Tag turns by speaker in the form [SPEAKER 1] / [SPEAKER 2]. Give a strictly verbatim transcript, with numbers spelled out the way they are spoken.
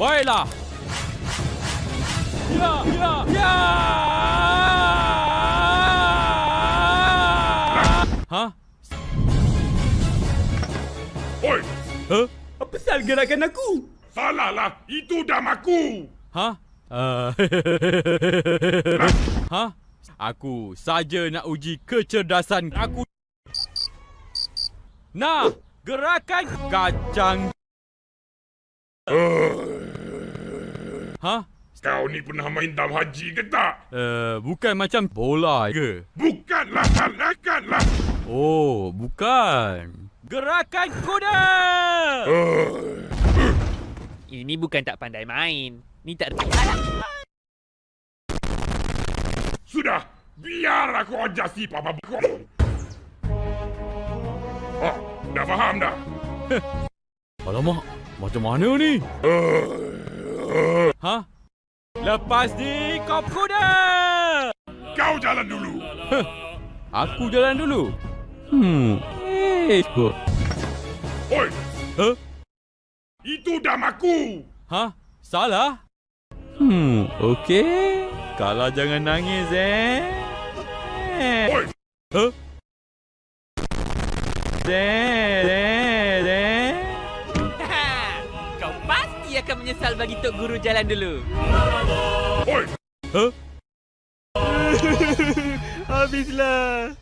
[SPEAKER 1] Baiklah. Ya, ya, ya. Hah?
[SPEAKER 2] Oi,
[SPEAKER 1] Huh?
[SPEAKER 3] Apa sal gerakan aku?
[SPEAKER 2] salahlah. Itu dam aku.
[SPEAKER 1] Hah? Uh, Hah? Aku saja nak uji kecerdasan aku. Nah, gerakan kacang. Hah?
[SPEAKER 2] Kau ni pernah main dam haji ke tak?
[SPEAKER 1] Uh, bukan macam bola ke?
[SPEAKER 2] Bukanlah, salahkanlah.
[SPEAKER 1] Oh, bukan. Gerakan kuda.
[SPEAKER 4] Ini bukan tak pandai main. Ni tak reti. Alah.
[SPEAKER 2] Sudah, biar aku ajar si papa kau. Oh, dah faham dah?
[SPEAKER 1] Alamak, macam mana ni? Hah? Lepas ni kau kuda.
[SPEAKER 2] Kau jalan dulu.
[SPEAKER 1] Aku jalan dulu. Hmm. Eh, kok.
[SPEAKER 2] Oi,
[SPEAKER 1] Huh?
[SPEAKER 2] itu dam aku.
[SPEAKER 1] Hah? Salah? Hmm, okey. Kalau jangan nangis, eh. Eh.
[SPEAKER 2] Oi,
[SPEAKER 1] Huh? Deh, deh, deh.
[SPEAKER 4] Kau pasti akan menyesal bagi Tok Guru jalan dulu.
[SPEAKER 2] oi.
[SPEAKER 1] Huh?
[SPEAKER 4] Habislah.